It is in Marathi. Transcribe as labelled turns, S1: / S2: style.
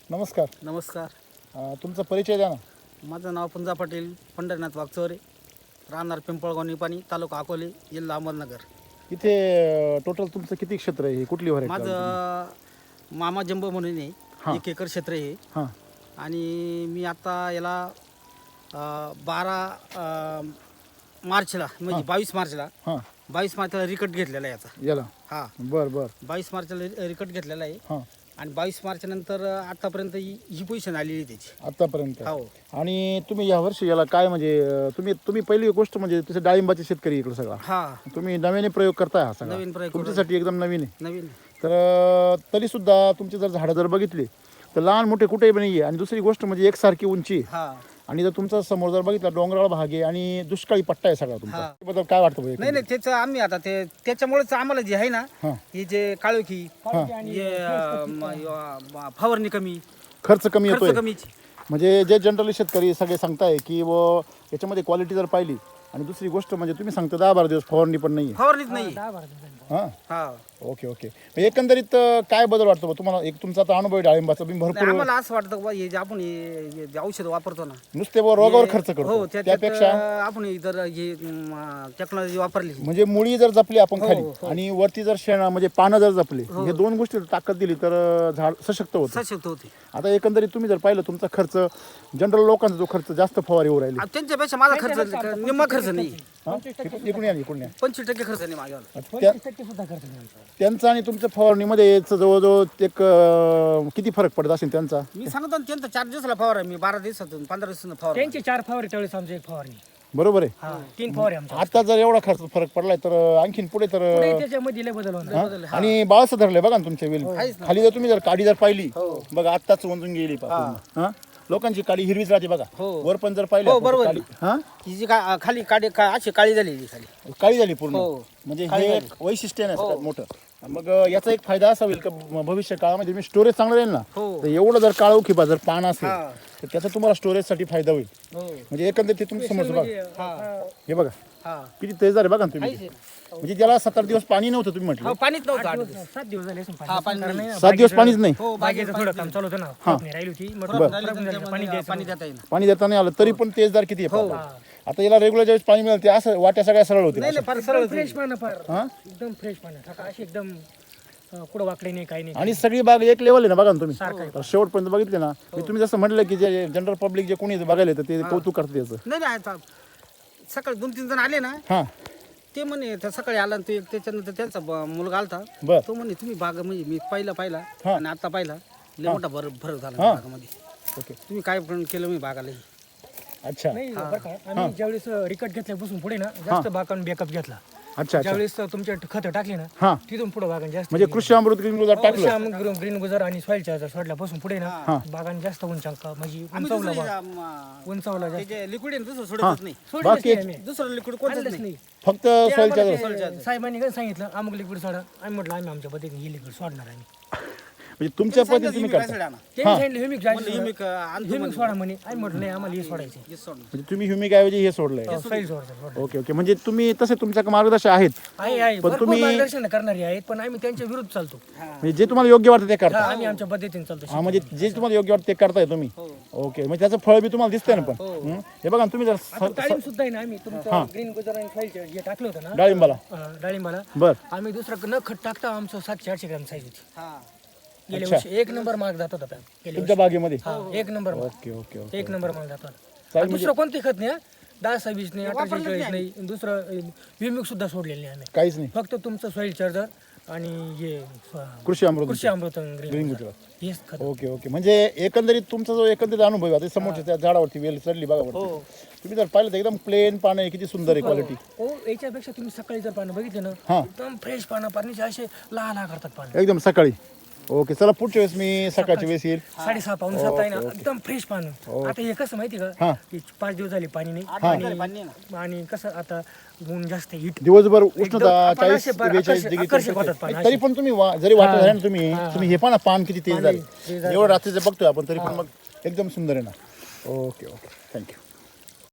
S1: नमस्कार.
S2: नमस्कार.
S1: तुमचा परिचय द्या ना.
S2: माझं नाव पंजा पाटील पंढरीनाथ वागचौरे, राहणार पिंपळगाव निपाणी, तालुका अकोले, जिल्हा अहमदनगर.
S1: इथे टोटल तुमचं किती क्षेत्र आहे? कुठली व्हरायटी?
S2: माझं मामा जंबो म्हणून आहे, 1 एकर क्षेत्र आहे.
S1: हां
S2: आणि मी आता याला 12 मार्चला म्हणजे 22 मार्चला
S1: हां
S2: 22 मार्चला रिकट घेतलेला आहे याचा.
S1: याला
S2: हां
S1: बरं बरं
S2: 22 मार्चला रिकट घेतलेला आहे.
S1: हां
S2: आणि 22 मार्च नंतर आतापर्यंत ही पोझिशन आलेली आहे त्याची.
S1: आतापर्यंत.
S2: हो.
S1: आणि तुम्ही या वर्षी याला काय म्हणजे तुम्ही पहिली गोष्ट म्हणजे तसे डाळिंबाचे शेतकरी इकडे सगळा
S2: हां
S1: तुम्ही नव्याने प्रयोग करताय हा सगळा.
S2: नवीन प्रयोग
S1: तुमच्यासाठी एकदम नवीन आहे.
S2: नवीन.
S1: तर तरी सुद्धा तुमचे जर झाडं जर बघितली तर लहान मोठे कुठेही नाही आहे. आणि दुसरी गोष्ट म्हणजे एकसारखी उंची आहे.
S2: हां
S1: आणि जर तुमचा समोर जर बघितला डोंगराळ भाग आहे आणि दुष्काळी पट्टा आहे सगळा तुमचा.
S2: हां.
S1: त्याबद्दल काय वाटतं बरं?
S2: नाही त्याचं आम्ही आता त्याच्यामुळेच आम्हाला जे आहे ना,
S1: हां
S2: ही जे काळोखी फवारणी कमी,
S1: खर्च कमी येतोय.
S2: खर्च कमीची.
S1: म्हणजे जे जनरली शेतकरी सगळे सांगताय की व याच्यामध्ये क्वालिटी जर पाहिली आणि दुसरी गोष्ट म्हणजे तुम्ही सांगता 10-12 दिवस फवारणी पण नाही.
S2: फवारणीच नाही.
S1: हां
S2: हा
S1: ओके ओके. एकंदरीत काय बदल वाटतो बा तुम्हाला? एक तुमचा आता अनुभव आहे डाळिंबाचा, तुम्ही
S2: नाही,
S1: भरपूर
S2: आम्हाला असं वाटतं की बा हे जे आपण हे जे औषध वापरतो ना,
S1: नुसते व रोगावर खर्च
S2: हो
S1: करतो
S2: त्यापेक्षा
S1: त्यापेक्षा
S2: आपण जर हे टेक्नॉलॉजी वापरली,
S1: म्हणजे मुळी जर जपली आपण
S2: हो,
S1: खाली
S2: हो.
S1: आणि वरती जर शेणा म्हणजे पानं जर जपली, हे दोन गोष्टी ताकद दिली तर झाड सशक्त होतं.
S2: सशक्त होते.
S1: आता एकंदरीत तुम्ही जर पाहिलं तुमचा खर्च जनरल लोकांचा जो खर्च जास्त फवारीवर राहिली.
S2: त्यांच्यापेक्षा माझा खर्च निम्मा खर्च नाही.
S1: हां इकडून या इकडून या.
S2: 25% खर्च नाही माझ्यावर.
S1: त्यांचा आणि तुमच्या फवारणीमध्ये जवळजवळ एक किती फरक पडत असेल त्यांचा?
S2: मी सांगतो ना, त्यांचा 4 दिवसाला फवारा, मी 12 दिवसातून 15 दिवसातून फवारा.
S3: त्यांची 4 फवारे त्यावेळेस आमची 1 फवारणी.
S1: बरोबर आहे.
S3: 3 फवारे आमच्या.
S1: आता जर एवढा खर्च फरक पडलाय तर आणखीन पुढे तर
S3: पुढे त्याच्यामध्ये लय बदल होणार.
S1: आणि बाळसं धरलंय बघा ना तुमच्या वेल खाली. जर तुम्ही जर काडी जर पाहिली बघा आत्ताच वंजून गेली पूर्ण. हां लोकांची काडी हिरवीच राहते बघा. वर पण जर पाहिली आपण
S2: बरोबर.
S1: काडी हां
S2: ही जी खाली अशी काळी झालेली खाली.
S1: काळी झाली पूर्ण.
S2: हो.
S1: म्हणजे हे एक वैशिष्ट्य आहे ना सगळ्यात मोठं. मग याचा एक फायदा असा होईल का भविष्य काळामध्ये मी स्टोरेज चांगलं राहील ना, तर एवढं जर काळोखी जर पान असेल तर त्याचा तुम्हाला स्टोरेजसाठी फायदा होईल. म्हणजे एकंदरीत ते तुमच्या समोर बघा, हे बघा किती तेजदार आहे बघा ना तुम्ही. म्हणजे त्याला 7-8 दिवस पाणी नव्हतं तुम्ही म्हटलं.
S2: पाणीच नव्हतं.
S3: 7 दिवस झाले असून
S2: पाणी
S3: कारण
S2: नाही.
S3: नाही ना,
S1: 7 दिवस पाणीच नाही.
S3: बागेचं थोडं काम चालू होतं ना, फवारणी राहिली होती.
S2: पाणी देता येईल.
S1: पाणी देता नाही आलं तरी पण तेजदार किती आहे पाहा. आता याला रेग्युलर ज्यावेळेस पाणी मिळेल ते असं वाट्या सगळ्या सरळ होते.
S2: नाही फार सरळ
S3: फ्रेश पानं फार
S1: हां
S3: एकदम फ्रेश पानं, अशी एकदम कुठं वाकडे नाही काही नाही.
S1: आणि सगळी बाग एक लेवल आहे ना बघा ना तुम्ही. तर शेवटपर्यंत बघितले ना मी तुम्ही जसं म्हटलं की जे जनरल पब्लिक जे कोणी बघायला येतं ते कौतुक करतात याचं.
S2: नाही आता सकाळी 2-3 जण आले ना,
S1: हां
S2: ते म्हणे त्या सकाळी आला आणि त्याच्यानंतर त्यांचा मुलगा आलता.
S1: बर
S2: तो म्हणे तुम्ही बाग म्हणजे मी पाहिला
S1: हां.
S2: आणि आता पाहिला लय मोठा फरक झाला बागामध्ये.
S1: ओके
S2: तुम्ही काय पण केलं मी बागाला.
S1: अच्छा
S3: नाही बरं का, आम्ही ज्यावेळेस रिकट घेतल्यापासून पुढे ना जास्त बागान बॅकअप घेतला.
S1: अच्छा अच्छा.
S3: ज्यावेळेस तुमच्या खतं टाकली ना,
S1: हां
S3: तिथून पुढे बागान जास्त
S1: म्हणजे कृषी अमृत ग्रीन गुजरात टाकलं.
S3: ग्रीन गुजर आणि सॉइल चार्जर सोडल्यापासून पुढे ना बागान जास्त उंचांका म्हणजे उंचावला जास्त
S2: लिक्विड दुसरं सोडतच नाही.
S3: सोडलंच
S1: बाकी
S3: नाही आम्ही.
S2: दुसरं लिक्विड कोणतंच
S3: आणलंच
S2: नाही.
S3: नाही.
S1: फक्त
S3: ते
S1: सॉइल
S3: आम्हाला
S1: चार्जर.
S3: ते साहेबांनी काय सांगितलं अमुक लिक्विड सोडा. आम्ही म्हटलं आम्ही आमच्या पद्धतीने हे लिक्विड सोडणार आम्ही.
S1: म्हणजे तुमच्या पद्धतीने तुम्ही करता.
S3: त्यांनी सांगितलं ह्युमिक
S2: ह्युमिक
S3: ह्युमिक सोडा म्हणे. आम्ही म्हटलं नाही आम्हाला हे सोडायचे.
S1: म्हणजे तुम्ही ह्युमिक ऐवजी हे सोडलंय.
S3: सॉइल सोडायचं.
S1: Okay okay. म्हणजे तुम्ही तसे तुमच्या मार्गदर्शक आहेत.
S3: आहे
S1: पण
S3: भरपूर मार्गदर्शन करणारे आहेत पण आम्ही त्यांच्या विरुद्ध चालतो.
S1: म्हणजे जे तुम्हाला योग्य वाटतं ते करता.
S3: आम्ही आमच्या पद्धतीने चालतो.
S1: हा म्हणजे जे तुम्हाला योग्य वाटतं ते करताय तुम्ही. ओके म्हणजे त्याचं फळ बी तुम्हाला दिसतंय ना पण. हे बघा ना तुम्ही जर
S3: डाळिंब सुद्धा आहे ना, आम्ही तुमचं ग्रीन गुजर आणि सॉइल जे टाकलं होतं ना
S1: डाळिंबाला
S3: डाळिंबाला,
S1: बर
S3: आम्ही दुसरं न खत टाकता आमचं 700-800 ग्रॅम साईज होती. गेल्या
S1: अच्छा.
S3: वर्षी 1 नंबर मार्क जात होता त्या. गेल्या
S1: तुमच्या बागेमध्ये.
S3: वर्षी 1 number mark.
S1: Okay okay okay.
S3: 1 number mark जात होता.
S1: चालेल
S3: दुसरं कोणते खत नाही, 10-26 नाही, 18-40 नाही, दुसरं विमिक सुद्धा सोडलेलं नाही आम्ही.
S1: काहीच नाही.
S3: फक्त तुमचं सॉइल चार्जर आणि हे
S1: कृषी अमृत
S3: कृषी अमृत
S1: ग्रीन
S3: ग्रीन
S1: गुजरात.
S3: हेच खत.
S1: Okay okay. म्हणजे एकंदरीत तुमचा जो एकंदरीत अनुभव आहे आता समोरच्या त्या झाडावरती वेल चढली बघा बरं. तुम्ही जर पाहिलं तर एकदम प्लेन पानं आहे, किती सुंदर आहे क्वालिटी.
S3: हो याच्यापेक्षा तुम्ही सकाळी जर पानं बघितले ना
S1: हां
S3: एकदम फ्रेश पानं, पाणी असे लहान करतात पानं.
S1: एकदम सकाळी. ओके चला पुढच्या वेळेस मी सकाळची वेळेस येईल.
S3: 6:30-7 आहे ना एकदम फ्रेश पानं. आता हे कसं माहिती का,
S1: हां
S3: की 5 दिवस झाले पाणी नाही.
S2: पाणी नाही.
S3: आणि कसं आता ऊन जास्त हिट
S1: दिवसभर उष्णता
S3: एकदम
S1: 40-42 डिग्री
S3: आकर्षक होतात पानं
S1: तरी पण तुम्ही जरी वाटत आहे ना तुम्ही हे पण पान किती तेज झाले.
S3: तेज
S1: एवढं रात्रीचं बघतोय आपण तरी पण मग एकदम सुंदर आहे ना. Okay okay thank you.